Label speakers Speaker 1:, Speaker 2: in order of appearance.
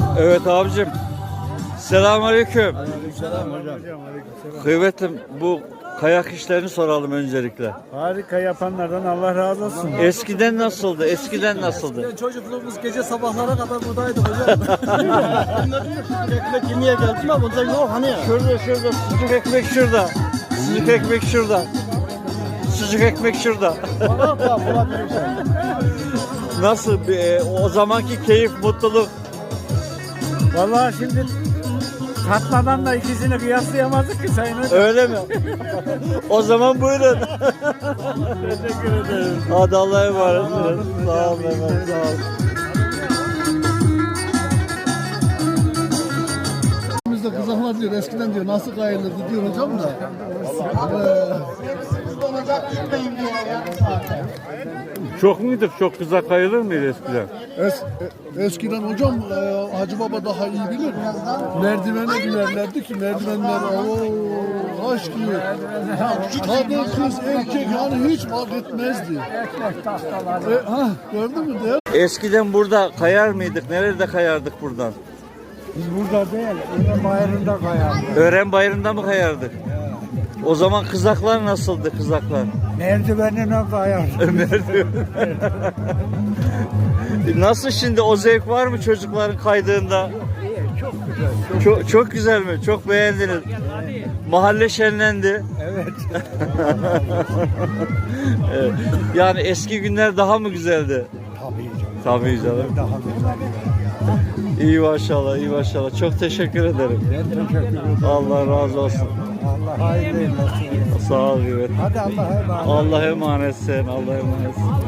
Speaker 1: Evet abicim. Selamünaleyküm.
Speaker 2: Aleykümselam hocam.
Speaker 1: Kıymetlim, bu kayak işlerini soralım öncelikle.
Speaker 2: Harika yapanlardan Allah razı olsun.
Speaker 1: Eskiden nasıldı? Eskiden nasıldı?
Speaker 3: Çocukluğumuz gece sabahlara kadar buradaydık hocam. Ekmek yemeye geldim ama burada yok hani ya.
Speaker 1: Şurada sucuk ekmek şurada. Sucuk ekmek şurada. Sucuk ekmek şurada. Nasıl o zamanki keyif, mutluluk?
Speaker 2: Vallahi şimdi tatmadan da ikisini kıyaslayamazdık ki sayın hocam.
Speaker 1: Öyle mi? O zaman buyurun.
Speaker 2: Teşekkür ederim.
Speaker 1: Hadi Allah'a emanet olun. Sağ olun efendim. Sağ olun.
Speaker 4: Biz de kızaklar diyor, eskiden diyor nasıl kayılırdı diyor hocam da.
Speaker 1: Çok muydu? Çok kıza kayılır mıydı eskiden?
Speaker 4: Eskiden hocam Hacı Baba daha iyi bilir. Merdivene binerlerdi ki merdivenler taş gibi. Kadın kız erkek yani hiç fark etmezdi. Gördün mü?
Speaker 1: Eskiden burada kayar mıydık? Nerede kayardık buradan?
Speaker 2: Biz burada değil, Ömer Bayırı'nda kayardık.
Speaker 1: Ören Bayırı'nda mı kayardık? O zaman kızaklar nasıldı, kızaklar?
Speaker 2: Merdivenine kayardık.
Speaker 1: Nasıl şimdi, o zevk var mı çocukların kaydığında?
Speaker 2: Çok güzel.
Speaker 1: Çok güzel mi? Çok beğendiniz. Mahalle şenlendi.
Speaker 2: Evet.
Speaker 1: Evet. Yani eski günler daha mı güzeldi?
Speaker 2: Tabii canım.
Speaker 1: Tabii canım.
Speaker 2: Daha güzel.
Speaker 1: İyi maşallah, iyi maşallah. Çok teşekkür ederim.
Speaker 2: Ben teşekkür ederim.
Speaker 1: Allah razı olsun.
Speaker 2: Allah hayırlı eylesin.
Speaker 1: Sağ ol, evet.
Speaker 2: Hadi Allah'a emanet.
Speaker 1: Allah'a emanetsin, Allah'a emanetsin.